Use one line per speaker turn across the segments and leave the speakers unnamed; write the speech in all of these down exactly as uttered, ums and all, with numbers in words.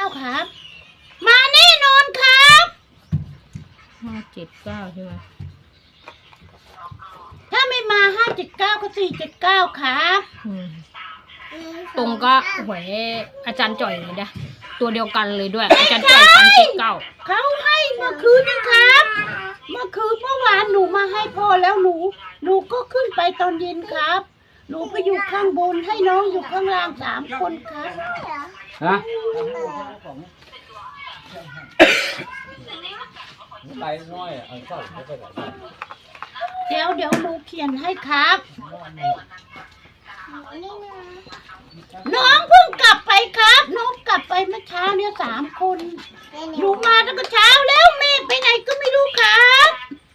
ครับมาแน่นอนครับ
ห้าเจ็ดเก้าใช่ไหม
ถ้าไม่มาห้าเจ็ดเก้าก็สี่เจ็ดเก้าครับ
ตรงก็หวยอาจารย์จ่อยเลยนะตัวเดียวกันเลยด้วยอาจารย์จ่อยสามเจ็ดเก้า
เขาให้เมื่อคืนนะครับเมื่อคืนเมื่อวานหนูมาให้พ่อแล้วหนูหนูก็ขึ้นไปตอนเย็นครับหนูไปอยู่ข้างบนให้น้องอยู่ข้างล่างสามคนครับ
ฮะไปน้อยเอาเข้าไปไป
เดี๋ยวเดี๋ยวหนูเขียนให้ครับน้องเพิ่งกลับไปครับน้องกลับไปเมื่อเช้าเนี่ยสามคนหนูมาตั้งแต่เช้าแล้วแม่ไปไหนก็ไม่รู้ครับ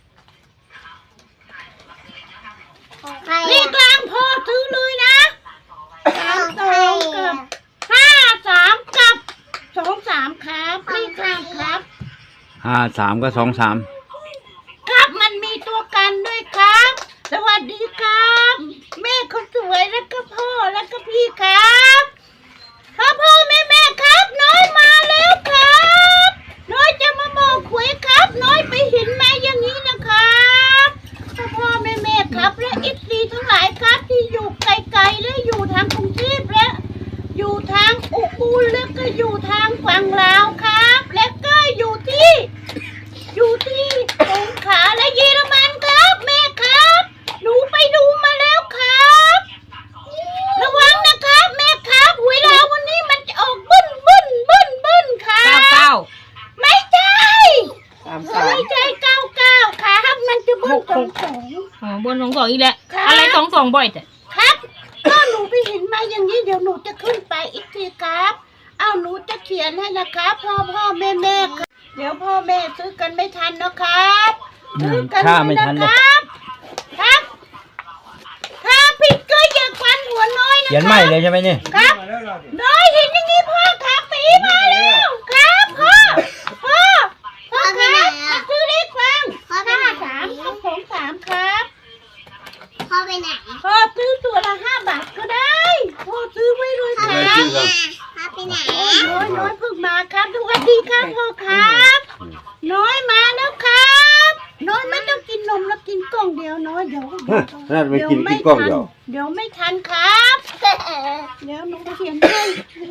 นี่กลางพ่อซื้อเลยนะสามสองกับห้าสามกับสองสามครับนี่กลางครับ
ห้าสามก็สองสาม
ครับมันมีตัวกันด้วยครับสวัสดีครับแม่คนสวยแล้วก็พ่อแล้วก็พี่ครับพ่อพ่อแม่แม่ครับน้อยมาแล้วครับน้อยจะมาบอกหวยครับน้อยไปเห็นมาอย่างนี้นะครับพ่อพ่อแม่แม่ครับและเอฟซีทั้งหลายครับที่อยู่ไกลๆและอยู่ทางกรุงเทพและอยู่ทางอุบลแล้วก็อยู่ทางฝั่งลาวครับและก็อยู่ที่อยู่ที่สงขลาและเยอรมันครับแม่ครับหนูไปดูมาแล้วครับระวังนะครับแม่ครับหวยลาววันนี้มันจะออกบึ้นบึ้นบึ้นบึ้นครับ
เก้าเก้า
ไม่ใช่ไม่ใช่เก้าเก้าครับมันจะบึ้นสองสอง
อ๋อบนสองสองอีกแล้วอะไรสองสองบ่อยแต่
ครับก็หนูไปเห็นมาอย่างนี้เดี๋ยวหนูจะขึ้นไปอีกทีครับเอาหนูจะเขียนให้นะครับพ่อพ่อแม่แม่ครับเดี๋ยวพ่อแม่ซื้อกันไม่ทันนะครับซื้อกันไม่ทันนะครับครับถ้าผิดก็อย่าควันหัวน้อยนะ
เขียนไม่เลยใช่ไหมเนี่ย
ครับน้อยเห็นอย่างนี้พ่อครับปีมาแล้วครับพ่อพ่อพ่อครับมาซื้อเลขฟังห้าสามกับสองสามครับพ่อไปไหนพ่อซื้อตัวละห้าบาทก็ได้พ่อซื้อไว้เลยครับพ่อไปไหนน้อยน้อยเพิ่งมาครับสวัสดีครับพ่อครับน้อยมาแล้วครับน้อยไม่ต้องกินนมแล้วกินกล่องเดียวน้อยเดี๋ยว
นั่นไม่กินกินกล้องเดียว
เดี๋ยวไม่ทันครับเดี๋ยวหนูเขียนให้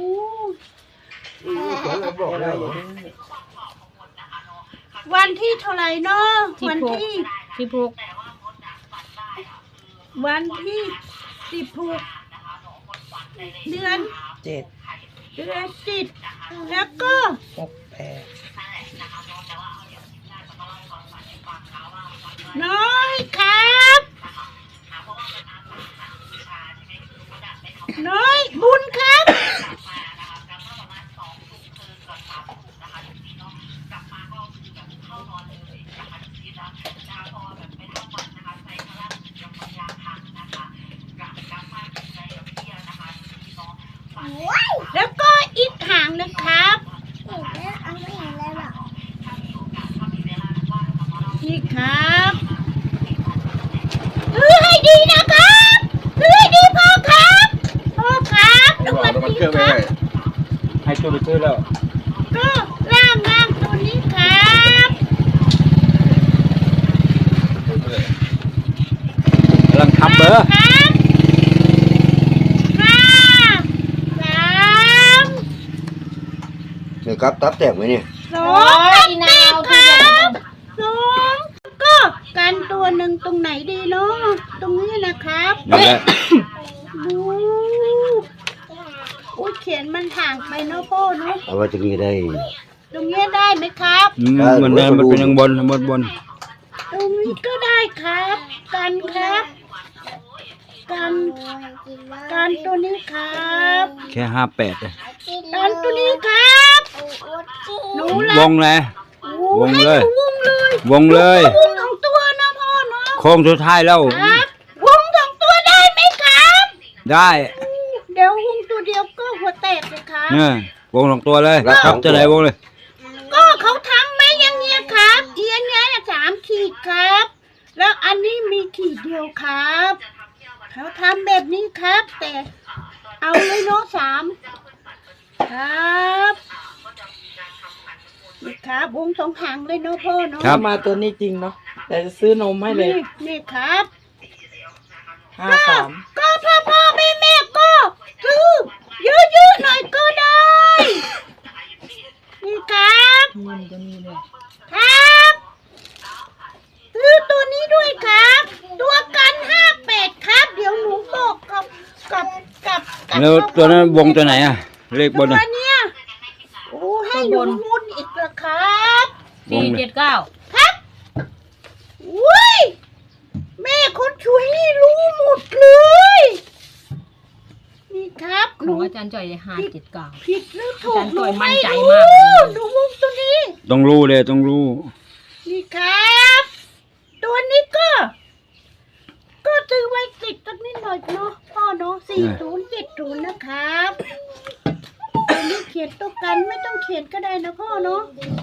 วันที่เท่าไหร่เนาะวันที่
สิบหก
วันที่สิบหกเดือน
เจ็ด
เดือนสิบแล้วก็
หกแปด
น้อยครับน้อยบุญครับแล้วก็อีกหางนะครับนี่ครับซื้อให้ดีนะครับซื้อให้ดีพ่อครับพ่อครับสวัสดีครับ
ให้ตัวไปซื้อแล้ว
ก็ล่างล่างตัวนี้ครับ
กำลังทำเบอร์
ครับห้าสาม
นี่ครับตับแตกไหมเนี่ย
สองตับแตกครับสองก็กันตัวหนึ่งตรงไหนดีเนาะตรงนี้นะครับ
นั่นแหละ
ดูอุ้ยเขียนมันห่างไปเนาะพ่อเนาะ
เอาไว้ตรงนี้ได้
ตรงนี้ได้ไหมครับ
มันได้มันเป็นยังบนบนบน
ตรงนี้ก็ได้ครับกันครับกันกันตัวนี้ครับ
แค่ห้าแปดเลย
กันตัวนี้ครับหนู
วงเลยวงเลยว
งเลยว
งเลยว
งของตัวนะพ่อเนาะ
โค้งสุดท้ายแล้ว
ครับวงสองตัวได้ไหมครับ
ได้
เดี๋ยววงตัวเดียวก็หัวแตกเลยครับ
เนี่ยวงสองตัวเลยครับจะไหนวงเลย
ก็เขาทำไหมอย่างเงี้ยครับเอียนเนี้ยสามขีดครับแล้วอันนี้มีขีดเดียวครับเขาทำแบบนี้ครับแต่เอาเลยเนาะสามครับครับวงสองหางเลยเนาะพ่อเนาะ
ครับ
มาตัวนี้จริงเนาะแต่จะซื้อนมให้เลย
นี่นี่ครับ
ห้าสาม
ก็พ่อพ่อแม่แม่ก็ซื้อเยอะๆหน่อยก็ได้ นี่ครับ
เงินก็นี่เลย
ครับซื้อตัวนี้ด้วยครับ ตัวกันห้าแปดครับ เดี๋ยวหนูบอกกับกับกับกับ
แล้วตัวนั้นวงตัวไหนอ่ะ เลขบน
ตัว
อ่ะ
เนี้ยโอ้ให้หนูมุนอีกเหรอครับ
วง
สี่
เลย
เจ็ดเก้า
ครับอุ้ยแม่คนช่วยนี่รู้หมดเลย นี่ครับห
ข
นู
องอาจารย์จ่อยห้าเจ็ดเก้า
ผิดหรือถูก
อาจารย์
หนู
จ่อยมั่
ไม่
นใจ
รู้
มากเลย
หนูวงตัวนี้
ต้องรู้เลยต้องรู้
นี่ครับ ตัวนี้ก็ ก็ซื้อไว้ติดกันนิดหน่อยเนาะพ่อเนาะสี่ศูนย์เจ็ดศูนย์นะครับตัวนี้เขียนตัวกันไม่ต้องเขียนก็ได้นะพ่อเนาะ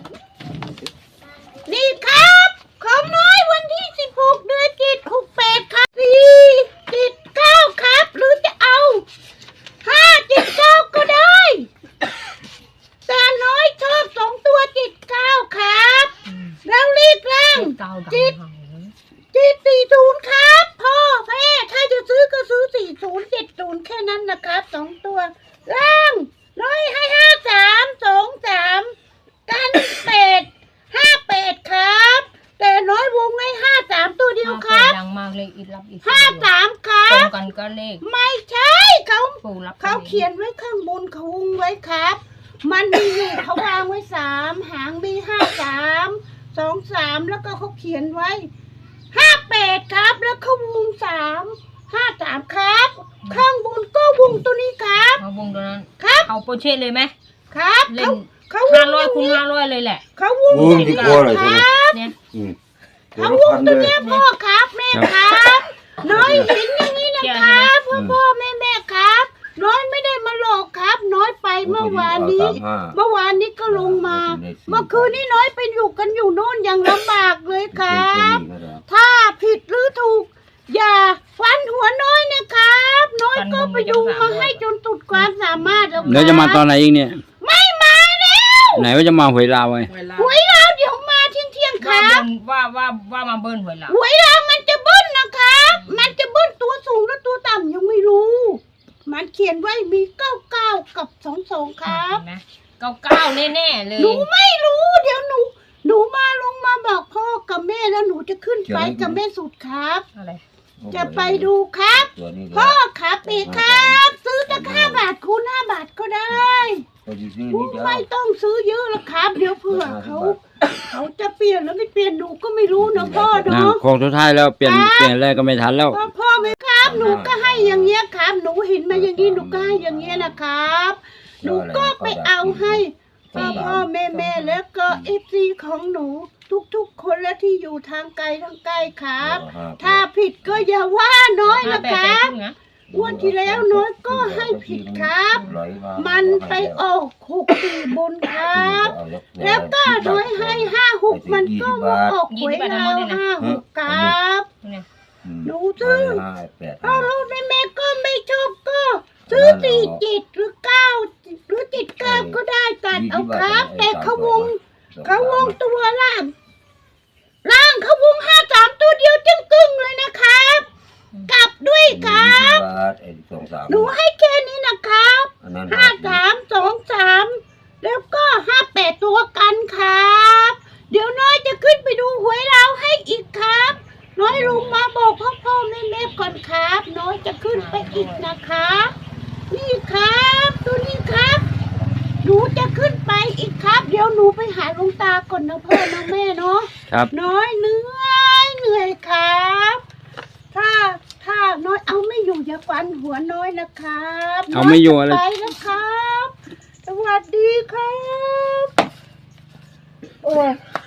นี่ครับของน้อยวันที่สิบหกเดือนเจ็ดหกแปดครับสี่เจ็ดเก้าครับ หรือจะเอาห้าเจ็ดเก้าก็ได้แต่น้อยชอบสองตัวเจ็ดเก้าครับ แล้วรีบร่าง
เก้าดัง
จิต
หางเลย
จิตสี่ศูนย์ครับพ่อแม่ถ้าจะซื้อก็ซื้อสี่ศูนย์เจ็ดศูนย์แค่นั้นนะครับสองตัวร่างร้อยให้ห้าสามสองสามกันเป็ดห้าเป็ดครับ แต่น้อยวงให้ห้าสามตัวเดียวค
ห้า
รับ
แปดดังมากเลยอีกรับอีก
ห้าสามครั
ตรง
บ
กันก็เลข
ไม่ใช่เขา
ปู่รับ
เขาเขียนไว้ข้างบนเขาวงไว้ครับ มันมีอยู่เขาวางไว้สามหางมีห้าสามสองสามแล้วก็เขาเขียนไว้ห้าแปดครับ แล้วเขาวงสามห้าสามครับ ข้างบนก็วงตัวนี้ครับ
เอาวงตัวนั้น
ครับ
เอาโปรเช่เลยไหม
ครับ
เล่
เขา
น
เขาว
ห้าง ร้อยคูณห้าร้อยเลยแหละ
เขาวง
วงที่กลัวเลย
ค
ใช่ไหม
รับ
เนี่ย
อืม
เขาวงตัวเนี้ยพ่อครับแม่ครับ น้อยเห็นอย่างนี้นะครับพ่อพ่อแม่แม่ครับ น้อยไม่ได้มาหลอกครับ น้อยไปเมื่อวานนี้ เมื่อวานนี้ก็ลงมา เมื่อคืนนี้น้อยไปอยู่กันอยู่โน่นอย่างลำบากเลยครับ ถ้าผิดหรือถูก อย่าฟันหัวน้อยนะครับ น้อยก็ไปดูมาให้จนสุดความสามารถแล้วครับ
แล้วจะมาตอนไหนอีกเนี่ย
ไม่มาแล้ว
ไหนว่าจะมาหวยลาวไง
เวลา
หวยเราเดี๋ยวมาเที่ยงเที่ยงๆค
ว่า
รับ
เบิ้ลว่าว่าว่ามาเบิ้ลหวยเรา
หวยเรามันจะเบิ้ลนะครับ มันจะเบิ้ลตัวสูงและตัวต่ำยังไม่รู้ มันเขียนไว้มีเก้าเก้ากับสองสองครับ
เห็นไหมเก้าเก้าแน่ๆเลย
หนูไม่รู้ เดี๋ยวหนู หนูมาลงมาบอกพ่อกับแม่แล้วหนูจะขึ้นไปกับแม่สุดครับ
อะไร
จะไปดูครับ
ตัวนี้
พ่อครับเอกครับ ซื้อตั้งห้าบาทคูณห้าบาทก็ได้
ตัวที่ซื้อ
หนู
นี่เดียว
ไม่ต้องซื้อเยอะแล้วครับ เดี๋ยวเผื่อเขา เขาจะเปลี่ยนแล้วไม่เปลี่ยนหนูก็ไม่รู้นะพ่อ
นะ
เนาะ
โค้งสุดท้ายแล้วเปลี่ยนเปลี่ยนแรกก็ไม่ทันแล้ว
พ่อพ่อไหมครับ หนูก็ให้อย่างเงี้ยครับ หนูเห็นมาอย่างนี้หนูก็ให้อย่างเงี้ยนะครับ หนูก็ไปเอาให้พ่อพ่อแม่แม่แล้วก็เอฟซีของหนู ทุกๆ คนและที่อยู่ทางไกลทางใกล้ครับ ถ้าผิดก็อย่าว่าน้อย
ห้า
นะ
แปด
ค
ใจ
รับ
ครึ่งนะ
งวันที่แล้วน้อยก็ให้ผิดครับ มันไปออกหกสี่บนครับ แล้วก็โดยให้ห้าหกมันก็มาออกหวยเราห้าหกครับ
เนี่ย
หนูซื้อ ถ้าลูกแม่แม่ก็ไม่ชอบก็ซื้อสี่จิตหรือเก้าหรือจิตเก้าก็ได้ตัดเอาครับ แต่เขาวงเขาวงตัวล่างล่างเขาวงห้าสามตัวเดียวจึงกึ่งเลยนะครับ กลับด้วยครับ หนูให้แค่นี้นะครับห้าสามสองสามแล้วก็ห้าแปดตัวกันครับ เดี๋ยวน้อยจะขึ้นไปดูหวยเราให้อีกครับ น้อยลุงมาบอกพ่อพ่อแม่แม่ก่อนครับ น้อยจะขึ้นไปอีกนะครับ นี่ครับตัวนี้ครับ หนูจะขึ้นไปอีกครับ เดี๋ยวหนูไปหาหลวงตาก่อนนะพ่อนะแม่เนาะ
ครับ
น้อยเหนื่อยเหนื่อยครับ ถ้าถ้าน้อยเอาไม่อยู่อย่าฟันหัวน้อยนะครับ
เอาไม่อยู่อะไร
น้จไปนะครับ สวัสดีครับ โอ้ย